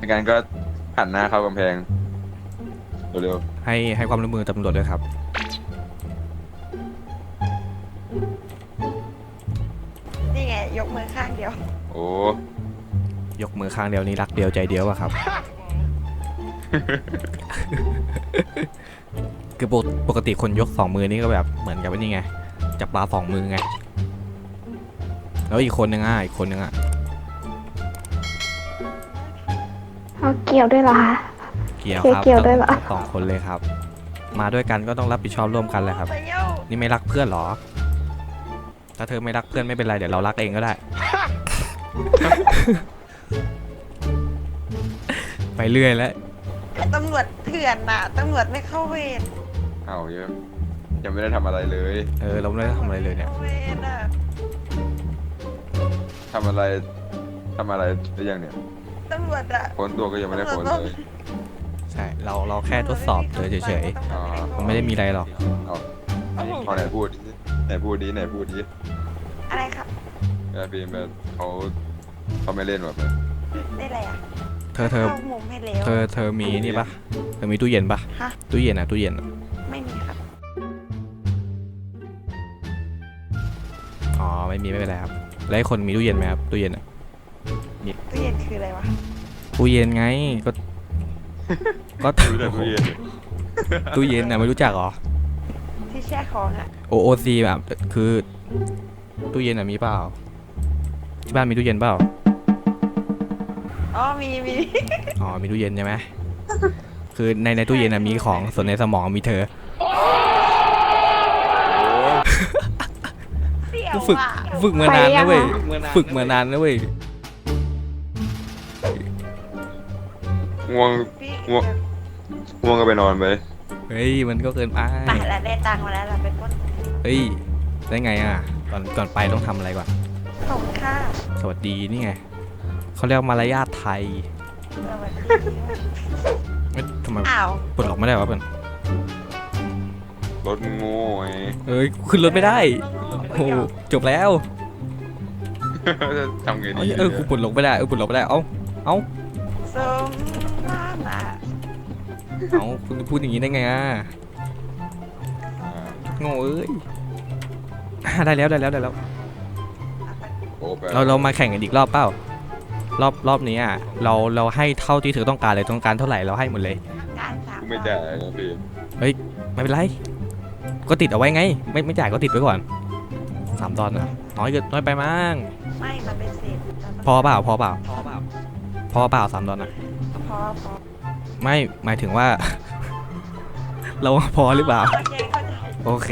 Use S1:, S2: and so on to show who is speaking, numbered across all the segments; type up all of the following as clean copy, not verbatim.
S1: งั้นก็หันหน้าเข้ากำแพงเร็ว
S2: ให้ความร่วมมือตำรวจด้วยครับ
S3: นี่ไงยกมือข้างเดียว
S1: ๆโอ้
S2: ยกมือข้างเดียวนี้รักเดียวใจเดียวอะครับ คือปกติคนยก2 มือนี่ก็แบบเหมือนกับว่านี่ไงจับปลา2 มือไงแล้วอีกคนนึงอ่ะ
S4: เอาเกี่ยวด้วยเหรอคะ
S2: เกี่ยวครับ
S4: เกี่ยวด้วยเหรอ
S2: 2 คนเลยครับ มาด้วยกันก็ต้องรับผิดชอบร่วมกันแหละครับ
S3: ไปเย้า
S2: นี่ไม่รักเพื่อนเหรอ ถ้าเธอไม่รักเพื่อนไม่เป็นไรเดี๋ยวเรารักเองก็ได้ ไปเรื่อยแล้ว
S3: ตำรวจเถื่อนน่ะตำรวจไม่เข้าเวร
S1: เอาเยอะยังไม่ได้ทำอะไรเลย
S2: เราไม่ได้ทำอะไรเลยเนี่ย
S3: เข้าเวรอ่ะ
S1: ทำอะไรหรือยังเนี่ย
S3: ตำรวจอ่ะ
S1: ค้นตัวก็ยังไม่ได้ค้นเลย
S2: ใช่เราแค่ทดสอบเฉย
S1: อ๋อ
S2: ๆมันไม่ได้มีอะไรหรอก
S1: เอาไหนพูดดิไหนพูดดิ
S3: อะไรครับ
S1: ฟิล์มเขาไม่เล่นแบบ
S3: ได้อะไรอ่ะ
S2: เธอ
S3: เข้ามุมให้แล้ว
S2: เธอมีนี่ปะเธอมีตู้เย็นปะ
S3: ฮะ
S2: ตู้เย็นอะ
S3: ไม่มีครับ
S2: อ๋อไม่เป็นไรครับแล้วไอ้คนมีตู้เย็นไหมครับตู้เย็นอะ
S3: ตู้เย็นคืออะไรวะ
S2: ตู้เย็นไงก็
S1: รู้แต่ตู้เย็น
S2: ตู้เย็นอะไม่รู้จักเหรอ
S3: ที่แช่ของอ่ะ
S2: OOC แบบคือตู้เย็นอะมีเปล่าที่บ้านมีตู้เย็นเปล่า
S3: อ๋อมี
S2: อ๋อมีตู้เย็นใช่ไหมคือในตู้เย็นอะมีของส่วนในสมองมีเธอ
S3: เสี่ยว
S2: ฝึก
S3: อ่ะ
S2: ฝึกมานานนะเว้ยฝึกมานานนะเว้ย
S1: ง่วง
S3: พี่
S1: ง่วงก็ไปนอนไป
S2: เฮ้ยมันก็เกินไป
S3: ไปแล้วได้ตังค์มาแล้วเราไปปล้น
S2: เฮ้ยได้ไงอ่ะก่อนไปต้องทำอะไรก่อน
S3: ส่งค่า
S2: สวัสดีนี่ไงเขาเรียกมารยาทไทย
S3: สวัสดี
S2: เอ๊ะทำไม
S3: อ้าว
S2: ปลดล็อกไม่ได้วะเพื่อน
S1: รถโง่ไง
S2: เอ้ยขึ้นรถไม่ได้โอ้โหจบแล้ว
S1: ทำไงดี
S2: กูปลดล็อกไม่ได้ปลดล็อกไม่ได้เอ้า
S3: สมน้ำอ่ะ
S2: คุณพูดอย่างนี้ได้ไงอ่ะ
S1: อ่า
S2: โง่เอ้ยได้แล้ว
S1: โอ้ไป
S2: เรามาแข่งกันอีกรอบเปล่ารอบนี้อ่ะเราให้เท่าที่เธอต้องการเลยต้องการเท่าไหร่เราให้หมดเลย
S3: การสาม
S1: กูไม่จ่ายนะฟิล์ม
S2: ไม่เป็นไรก็ติดเอาไว้ไงไม่จ่ายก็ติดไว้ก่อน$3นะน้อยไปมั้ง
S3: ไม่มันเป็นเศษ
S2: พอเปล่า$3อะ
S3: พอ
S2: ไม่หมายถึงว่า เราพอหรือเปล่า
S3: โอเคเข้าใจ
S2: โอเค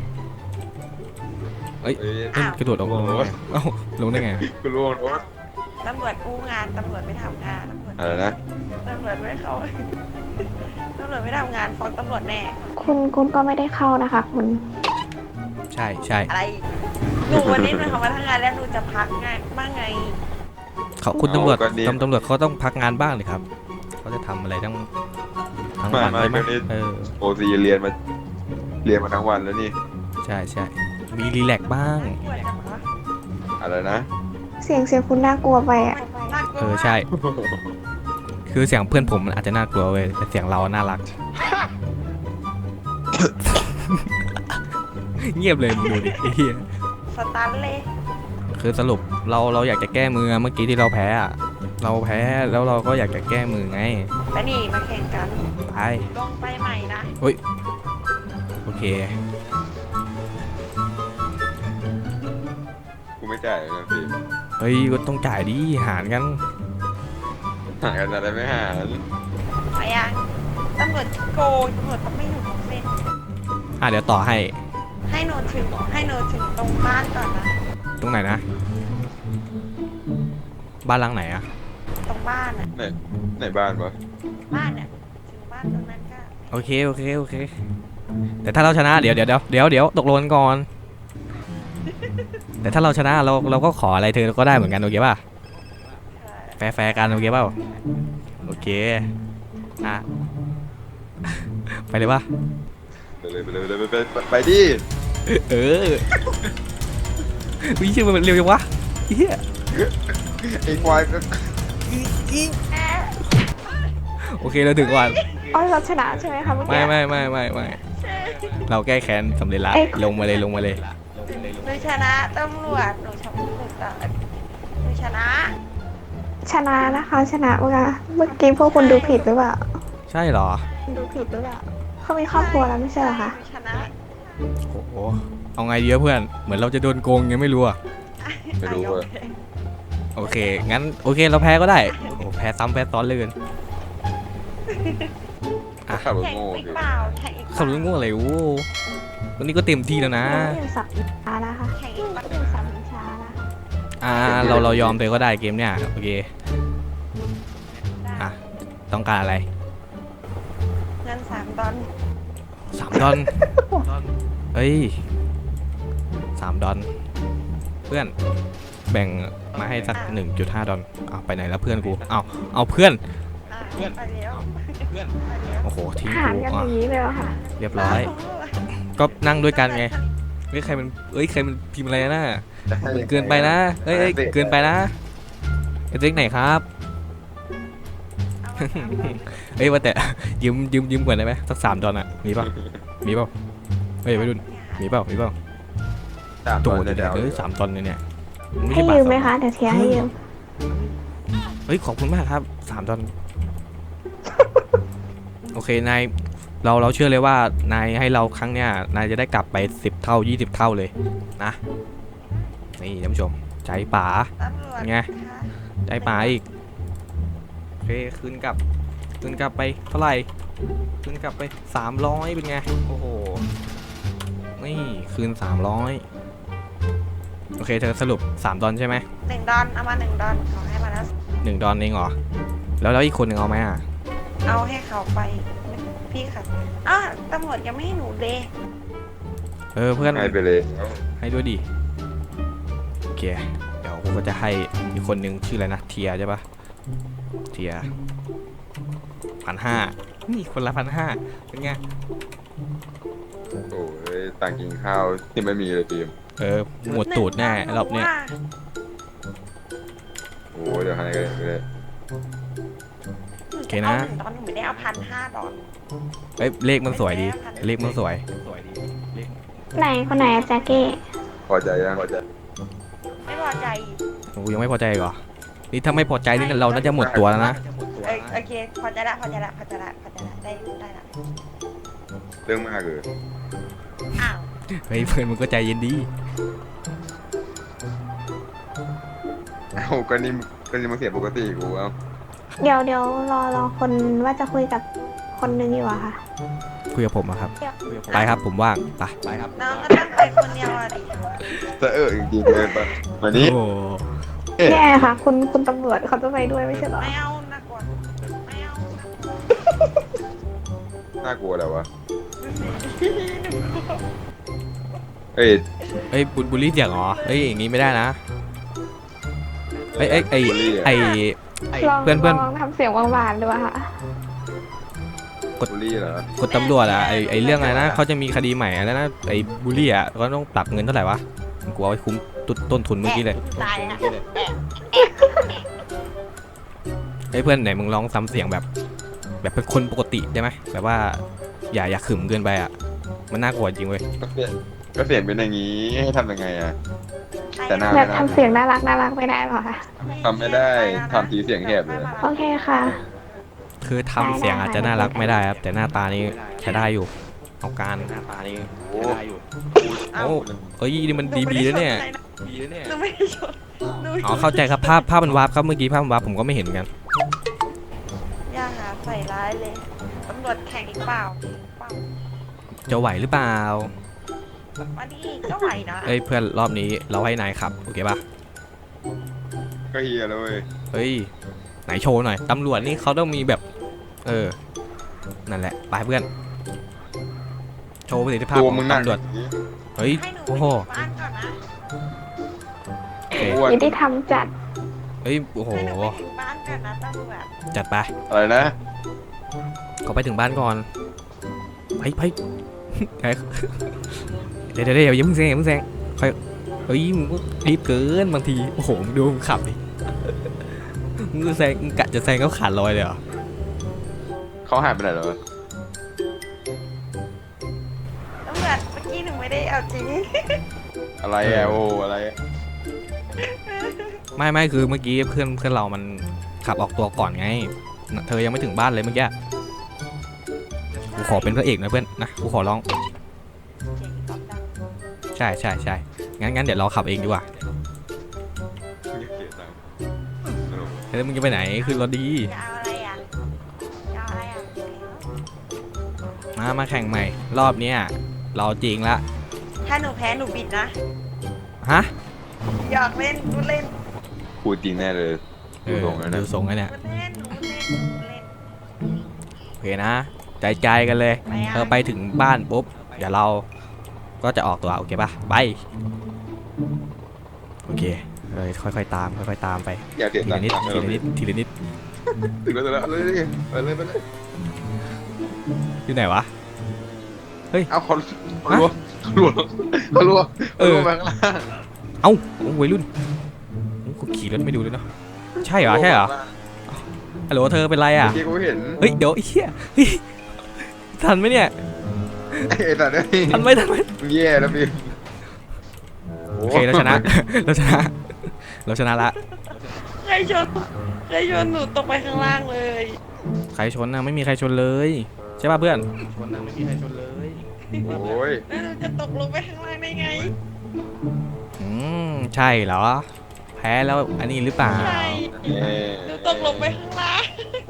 S1: เอ้ย
S2: กระโดดลงได้ไงเอ้าลงได้ไง
S1: กูร่วงรถ
S3: ตำรวจอู้งานตำรวจไม่ทำงานตำรวจ
S1: อะไรนะ
S3: ตำรวจไม่เข้าตำรวจไม่ทำงานฟ้องตำรวจแน่
S4: คุณก็ไม่ได้เข้านะคะคุณ
S2: ใช่
S3: อะไรหนูวันนี้หนูทำมาทั้งงานแล้วหนูจะพักไงบ้างไง
S2: คุณตำรวจเขาต้องพักงานบ้างเลยครับเขาจะทำอะไรทั้งวันใช่ไหม
S1: โอซีเรียนมาทั้งวันแล้วนี่
S2: ใช่มีรีแลกซ์บ้าง
S3: ปวดจังวะ
S1: อะไรนะ
S4: เสียงคุณน่ากลัวไปอ่ะ
S3: น่ากลัว
S2: ใช่คือเสียงเพื่อนผมมันอาจจะน่ากลัวเว้ยแต่เสียงเราน่ารัก เงียบเลยมึงดูดิไอ้เหี้ย
S3: สตันเลย
S2: คือสรุปเราอยากจะแก้มือเมื่อกี้ที่เราแพ้อะเราแพ้แล้วเราก็อยากจะแก้มือไง
S3: ไปนี่มาแข่งกัน
S2: ไป
S3: ลงไปใหม่นะ
S2: โอเค
S1: กูไม่จ่ายนะฟิล์ม
S2: เฮ้ยก็ต้องจ่ายดิหารกัน
S1: หากันอะไรไม่หา
S3: ไปยังตำรวจโกงตำรวจต้องไม่อยู่ตรงเส้น
S2: เดี๋ยวต่อให้
S3: ให้หนูถึงตรงบ้านก่อนนะ
S2: ตรงไหนนะบ้านหลังไหนอะ
S3: ตรงบ้านอ่ะ
S1: ไหนบ้านวะ
S3: บ้านอ่ะถึงบ้านตรงนั้นก็
S2: โอเคแต่ถ้าเราชนะเดี๋ยวตกลงกันก่อน แต่ถ้าเราชนะเราก็ขออะไรเธอก็ได้เหมือนกันโอเคป่ะแฟร์กันโอเคเปล่าโอเคอ่ะ ไปเลยป่ะ
S1: ไปดิ
S2: เออวิ่งชื่อมันเร็วจังวะเฮีย
S1: ไอ้ควายก็
S3: แอะ
S2: โอเคเราถึงก่อน
S4: อ๋อเราชนะใช่ไหมคะเมื่อกี้
S2: ไม่เราแก้แค้นสำเร็จละ
S4: เอ้ย
S2: ลงมาเลย
S3: หนูชนะตำรวจหนูชนะหนูชนะ
S4: ชนะนะคะชนะเมื่อกี้พวกคุณดูผิดหรือเปล่า
S2: ใช่เหรอ
S4: ดูผิดหรือเปล่าเขามีครอบครัวแล้วไม่ใช่เหรอคะ
S3: หนูชนะ
S2: โอ้โหเอาไงดีวะเพื่อนเหมือนเราจะโดนโกงยังไม่รู้อะ
S1: ไม่รู้เว้ย
S2: โอเคงั้นโอเคเราแพ้ก็ได้โอ้แพ้ซ้ำแพ้ซ้อนเลยกัน
S1: ขับรถ
S3: แข่ง
S1: โง่
S3: อีก
S1: ดิ
S3: เปล่าแข่งอีก
S2: ขับรถโง่อะไรโว้วันนี้ก็เต็มที่แล้วนะ
S4: ยังไม่ถึงสับช้านะคะ
S3: แข่งอีกเปล่า
S4: ไม่ถึงสับช้านะคะ
S2: เรายอมเลยก็ได้เกมเนี้ยโอเคอ่ะต้องการอะไร
S3: เงิน$3
S2: $3เอ้ย$3เพื่อนแบ่งมาให้สัก$1.5เอาไปไหนแล้วเพื่อนกูเอาเพื่อน
S3: ไปแล้ว
S2: โอ้โหทิ้ง
S4: หาร
S2: กู
S4: กันอ
S2: อ่ะ
S4: ย่างนี้เลยเหรอค่ะ
S2: เรียบร้อย ก็นั่งด้วยกันไงเฮ้ยใครมันพิมพ์อะไรนะ เกินไปนะเอ้ยเกินไปนะไอ้เจ๊กไหนครับ เอ้ยว่าแต่ ยืมก่อนได้ไหมสัก$3อ่ะมีเปล่าเฮ้ยไปดุนมีเปล่า
S1: 3
S2: โด
S1: ตัว
S2: ด
S1: เดี๋ยว
S2: เฮ้ย$3เนี่ยมันไม่
S4: ให้
S2: ใช่บาท
S4: ยืมไหม
S2: สอง
S4: คะเดี๋ยวเทียร์ให้ยืม
S2: เฮ้ยขอบคุณมากครับ$3 โอเคนายเราเชื่อเลยว่านายให้เราครั้งเนี้ยนายจะได้กลับไป10 เท่า 20 เท่าเลยนะนี่ท่านผู้ชมใจป๋า
S3: ตำรวจ
S2: ไง ใจป๋าอีกโอเคคืนกลับไปเท่าไหร่คืนกลับไป300เป็นไงโอ้โหนี่คืน300โอเคเธอสรุป$3ใช่ไหม
S3: $1เอามา$1ขอให้มาแล้ว
S2: $1เองเหรอแล้วอีกคนหนึ่งเอาไหมอ่ะ
S3: เอาให้เขาไปพี่ค่ะอ้าวตำรวจยังไม่ให้หนูเลย
S2: เพื่อน
S1: ให้ไปเลย
S2: ให้ด้วยดิโอเคเดี๋ยวกูก็จะให้อีกคนหนึ่งชื่ออะไรนะเทียใช่ปะเทีย1,500นี่คนละ1,500เป็นไง
S1: โอ้ยตังค์กินข้าวที่ไม่มีเลยทีม
S2: หมดตูดแน่รอบเนี้ย
S1: โอ้ยเดี๋ยวให้กันเลย
S2: โอเคนะ
S3: ตอนหนูไม่ได้เอา$1,500
S2: เลขมันสวยดีเลขมันสวย
S4: ไหนคนไหนอะแจ็คเก้
S1: พอใจยังพอใจ
S3: ไม่พอใจ
S2: กูยังไม่พอใจอีกเหรอนี่ถ้าไม่พอใจนี่เราน่าจะหมดตัวแล้วนะ
S3: โอเคพอใจละได้ละ
S1: เรื่องมากเลย
S3: อ้าว
S2: เฮ้ยเพื่อนมึงก็ใจเย็นดี
S1: เอ้าก็นี่มันเสียปกติกูเอ้า
S4: เดี๋ยวรอคนว่าจะคุยกับคนนึงอยู่อะค่ะ
S2: คุยกับผมอะครับไปครับผมว่างไปครับ
S3: น้องก็ต้องไปคนเดียวอะดิ
S1: จะจริงๆเลยปะวันนี้
S2: โอ้
S4: แย่ค่ะ คุณตำรวจเขาจะไปด้วยไม่ใช่เหรอ
S3: ไม่เอานะกวนไม่เอา
S1: น่ากลัวแล้ววะเอ้ย
S2: เฮ้ยบุลลี่เสียงเหรอเฮ้ยอย่างงี้ไม่ได้นะเอ้ยเพื่อน
S4: ลองทำเสียงหวานๆดูอะค่ะ
S1: บูลลี่เหรอก
S2: ดตำรวจอะไอเรื่องอะไรนะเขาจะมีคดีใหม่อะไรนะไอบุลลี่อะก็ต้องปรับเงินเท่าไหร่วะกูเอาไว้คุ้มต้นทุนเมื่อกี้เลย
S3: ตายละ
S2: เฮ้ยเพื่อนไหนมึงลองซ้ำเสียงแบบเป็นคนปกติได้ไหมแบบว่าอย่าขึมเกินไปอะมันน่ากลัวจริงเว้ย
S1: ก็เสียงเป็นอย่างนี้ให้ทำยังไงอะแต่หน้า
S4: แบบทำเสียงน่ารักไม่ได้หรอคะ
S1: ทำไม่ได้ทำทีเสียงแหบเลย
S4: โอเคค่ะ
S2: คือทำเสียงอาจจะน่ารักไม่ได้ครับแต่หน้าตานี่ใช้ได้อยู่เอาการหน้าตานี่
S1: โอ้
S2: โอ้เอ้ยนี่มันดีแล้วเนี่ย
S3: หนูไม่ได้ชน
S2: อ๋อเข้าใจครับภาพมันวาร์ปครับเมื่อกี้ภาพมันวาร์ปผมก็ไม่เห็นเหมือนกัน
S3: อย่าหาใส่ร้ายเลยตำรวจแข่งอีกเปล่า
S2: จะไหวหรือเปล่า
S3: มาดิก็ไหวนะ
S2: เอ้ยเพื่อนรอบนี้เราให้นายขับโอเคป่ะ
S1: ก็เฮียเลย
S2: เฮ้ยไหนโชว์หน่อยตำรวจนี่เขาต้องมีแบบนั่นแหละไปเพื่อนโชว์ประสิทธิภาพ
S1: ตัว
S2: ของ
S1: มึงหนัก
S2: ตำรวจเฮ้ย
S3: ให้หนูไป
S2: โอ้โห
S3: อยู่บ้านก่อนนะ
S2: โอเค
S1: อ้วน
S4: ยุติธรรมจัด
S2: เฮ้ยโอ้โห
S3: ให้หนูไปถึงบ้านก่อนนะตำรวจ
S2: จัดไป
S1: อะไรนะ
S2: เขาไปถึงบ้านก่อนไป เดี๋ยวอย่าเพิ่งแซงค่อยเฮ้ยมึงก็รีบเกินบางทีโอ้โหมึงดูมึงขับดิมึงแซงมึงกะจะแซงเขาขาดลอยเลยเหรอ
S1: เขาหายไปไหนแล้ววะ
S3: ตำรวจเมื่อกี้หนูไม่ได้เอาจริง
S1: อะไรอะโอ้อะไรอะ
S2: ไม่คือเมื่อกี้เพื่อนเรามันขับออกตัวก่อนไงเธอยังไม่ถึงบ้านเลยเมื่อกี้กูขอเป็นพระเอกนะเพื่อนนะกูขอร้อง
S3: เจ๋งก๊อฟดัง
S2: ใช่งั้นเดี๋ยวเราขับเองดีกว่า
S1: เสียตังค์สนุก
S2: เฮ้ยมึงจะไปไหนขึ้นรถดี
S3: จะเอาอะไรอ่ะจะเอาอะไรอ่ะ
S2: มาแข่งใหม่ รอบเนี้ยเราจริงละ
S3: ถ้าหนูแพ้หนูบิดนะ
S2: ฮะ
S3: หยอกเล่นพูดเล่น
S1: พูดจริงแน่เลย
S2: เออ
S1: ดูทรงแล้ว
S2: ดู
S1: นะ
S2: ทรงแล้วเนี่ย
S3: พูดเล่นหนูพูดเล่นหนูพูดเล่น
S2: โอเคนะใจกันเลย
S3: ไปอ่ะ
S2: เธอไปถึงบ้านปุ๊บเดี๋ยวเราก็จะออกตัวโอเคปะไปโอเคเลยค่อยๆตามไป
S1: อยากเสีย
S2: ที
S1: ตั
S2: ละ
S1: งค์
S2: นิด
S1: เออ
S2: ทีละนิด
S1: ถึงแล้วเลยไปเลย
S2: อยู่ไหนวะ
S1: เอาเขารัวไปข้างล่าง
S2: เอ้าโอ้วัยรุ่นโอ้กูขี่รถไม่ดูเลยเนาะใช่เหรอฮัลโหลเธอเป็นไรอ่ะ
S1: เมื่อกี้กูเห็น
S2: เฮ้ยเดี๋ยวไอ้เหี้ยเฮ้ยทันไหมเนี่ย
S1: ไอ้สัตว์นี่
S2: ทันไหม
S1: แย่แล้วพี่
S2: โอเคเราชนะ เราชนะละ
S3: ใครชนหนูตกไปข้างล่างเลย
S2: ใครชนนะไม่มีใครชนเลยใช่ป่ะเพื่อนชนนะไม่มีใครชนเลย
S1: โอ้ย
S3: แล้วหนูจะตกลงไปข้างล่างได้ไง
S2: ใช่เหรอแพ้แล้วอันนี้หรือเปล่า
S3: ใช่หนูตกลงไปข้างล่าง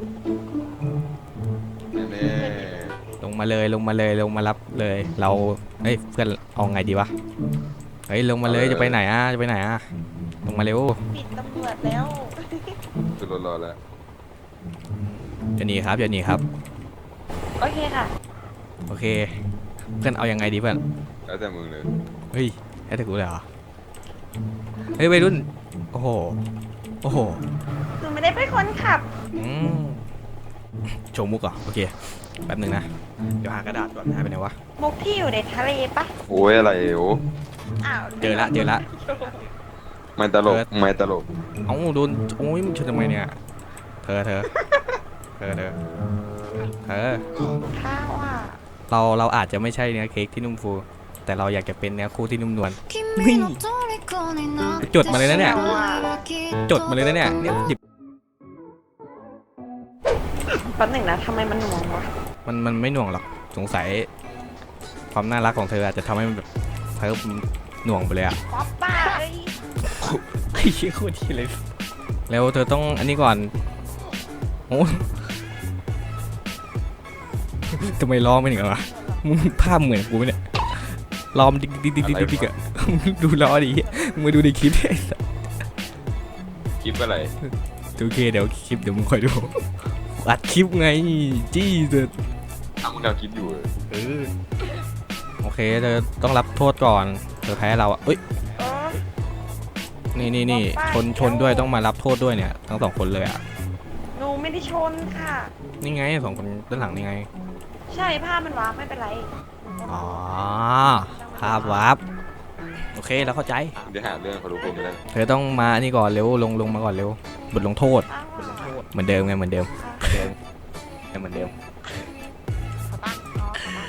S1: แน่
S2: ลงมามารับเลยเราเฮ้ยเพื่อนเอาไงดีวะเฮ้ยลงมาเลยจะไปไหนลงมาเร็ว
S3: ปิดตำรวจแล้ว
S1: สุดรอแล้ว
S2: อย่าหนีครับ
S3: โอเคค่ะ
S2: โอเคเพื่อนเอายังไงดีเพื่อน
S1: แล้วแต่มึงเลย
S2: เฮ้ยให้แต่กูเลยเหรอเฮ้ยวัยรุ่นโอ้โห
S3: หนูไม่ได้เป็นคนขับ
S2: โชว์มุกเหรอโอเคแป๊บหนึงนะเดี๋ยวหากระดาษก่อนหายไปไหนวะ
S3: มุกที่อยู่ในทะเลปะ
S1: โอ้ยอะไรโอ้
S3: อ้าว
S2: เจอละ
S1: ไม่ตลก
S2: เอ้าโดนโอ้ยมึงชนทำไมเนี่ยเธอ
S3: ข้าวอ่ะ
S2: เราอาจจะไม่ใช่เนื้อเค้กที่นุ่มฟู แต่เราอยากจะเป็นเนื้อคู่ที่นุ่มนวลจดมาเลยนะเนี่ยหยิบ
S3: แป๊บหนึ่งนะทำไมมันหน่วงวะ
S2: มันไม่หน่วงหรอกสงสัยความน่ารักของเธออาจจะทำให้มันแบบเธอหน่วงไปเลยอะ
S3: ป๊อปป้าเอ้ย
S2: ไอ้เหี้ยโคตรที่เลยแล้วเธอต้องอันนี้ก่อนโอ้ทำไมล้อไม่เหมือนวะมึงภาพเหมือนกูไหมเนี่ยล้อมดิกอะดูล้อดิมึงมาดูในคลิปไอ้สัส
S1: คลิปอะไร
S2: โอเคเดี๋ยวคลิปเดี๋ยวมึงคอยดูอัดคลิปไงจี้เธอ
S1: ทำมึงเอาคลิปอยู่
S2: โอเคเธอต้องรับโทษก่อนเธอแพ้เราอ่ะเอ้ย
S3: โอ้
S2: นี่ชนด้วยต้องมารับโทษด้วยเนี่ยทั้งสองคนเลยอ่ะ
S3: หนูไม่ได้ชนค่ะ
S2: นี่ไงสองคนด้านหลังนี่ไง
S3: ใช่ผ้ามันว้าไม่เป็นไร
S2: อ๋อภาพวับโอเคเราเข้าใจ
S1: เดี๋ยวหาเรื่องเขารู้ผมไม่ได้
S2: เธอต้องมานี่ก่อนเร็วลงมาก่อนเร็วบทลงโทษ
S3: ป้าว่า
S2: เหมือนเดิมไงเหมือนเดิม
S3: ขอตั้งอ๋อขอตั้ง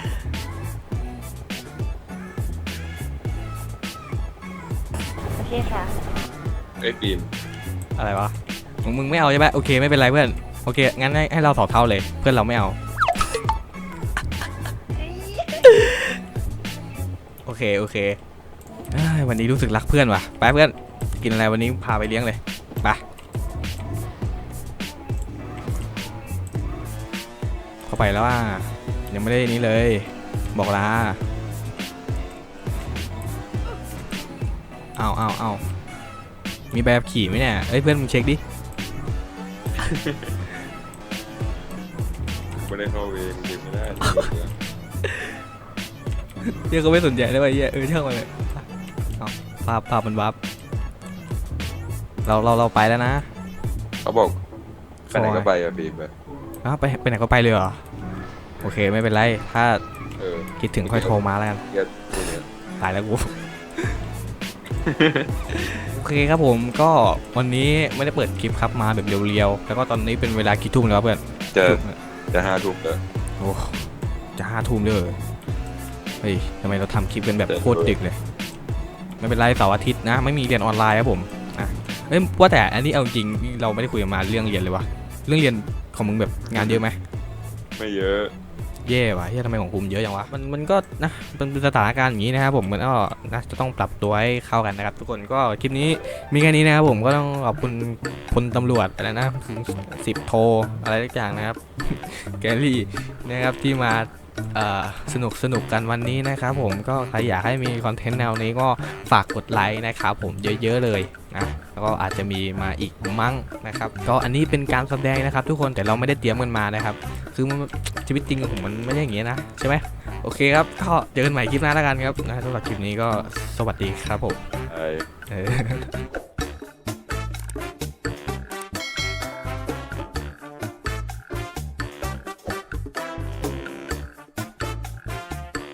S3: โอเคค่ะ
S1: ไอ้ฟิล์ม
S2: อะไรวะมึงไม่เอาใช่ไหมโอเคไม่เป็นไรเพื่อนโอเคงั้นให้เราสองเท่าเลยเพื่อนเราไม่เอาโอเคเอ้ยวันนี้รู้สึกรักเพื่อนว่ะไปเพื่อนกินอะไรวันนี้พาไปเลี้ยงเลยไปเข้าไปแล้วว่ายังไม่ได้นี้เลยบอกลาเอามีแบบขี่ไหมเนี่ยเอ้ยเพื่อนมึงเช็คดิ
S1: ไม่ได้เข้าเวรเก็บไม่ได้
S2: เหี้ยก็ไม่สนใจได้ป่ะเหี้ยช่างมันเลยเอาภาพมันวับเราไปแล้วนะ
S1: เขาบอกไปไหนก็ไปอะฟิล์ม
S2: อ้าวไปไหนก็ไปเลยเหรอโอเคไม่เป็นไรถ้า
S1: อ
S2: คิดถึงค่อยโทรมาแล้วกัน
S1: เดี๋ยวกูเนี่ย
S2: ตายแล้วกู โอเคครับผมก็วันนี้ไม่ได้เปิดคลิปครับมาแบบเรียวๆแล้วก็ตอนนี้เป็นเวลากี่ทุ่มแล้วเพื่อน
S1: เจอจะ5 ทุ่มแล้ว
S2: โอ้จะ5 ทุ่มเลยเฮ้ยทำไมเราทำคลิปกันแบบโคตรดึกเลยไม่เป็นไรเสาร์อาทิตย์นะไม่มีเรียนออนไลน์ครับผมเอ้ยว่าแต่อันนี้เอาจริงเราไม่ได้คุยกันมาเรื่องเรียนเลยวะเรื่องเรียนของมึงแบบงานเยอะไหม
S1: ไม่เยอะ
S2: เย่ว่ะเฮ้ยทำไมของภูมิเยอะจังวะมันก็นะเป็นสถานการณ์อย่างนี้นะครับผมมันก็นะจะต้องปรับตัวให้เข้ากันนะครับทุกคนก็คลิปนี้มีแค่นี้นะครับผมก็ต้องขอบคุณพลตำรวจอะไรนะ10 โทอะไรทุกอย่างนะครับ แกลลี่นะครับที่มาสนุกกันวันนี้นะครับผมก็ใครอยากให้มีคอนเทนต์แนวนี้ก็ฝากกดไลค์นะครับผมเยอะๆเลยนะแล้วก็อาจจะมีมาอีกมั้งนะครับก็อันนี้เป็นการแสดงนะครับทุกคนแต่เราไม่ได้เตรียมกันมานะครับคือมันชีวิตจริงของผมมันไม่ใช่อย่างงี้นะใช่ไหมโอเคครับก็เจอกันใหม่คลิปหน้าแล้วกันครับนะสำหรับคลิปนี้ก็สวัสดีครับผม
S1: ไอ้
S2: เออ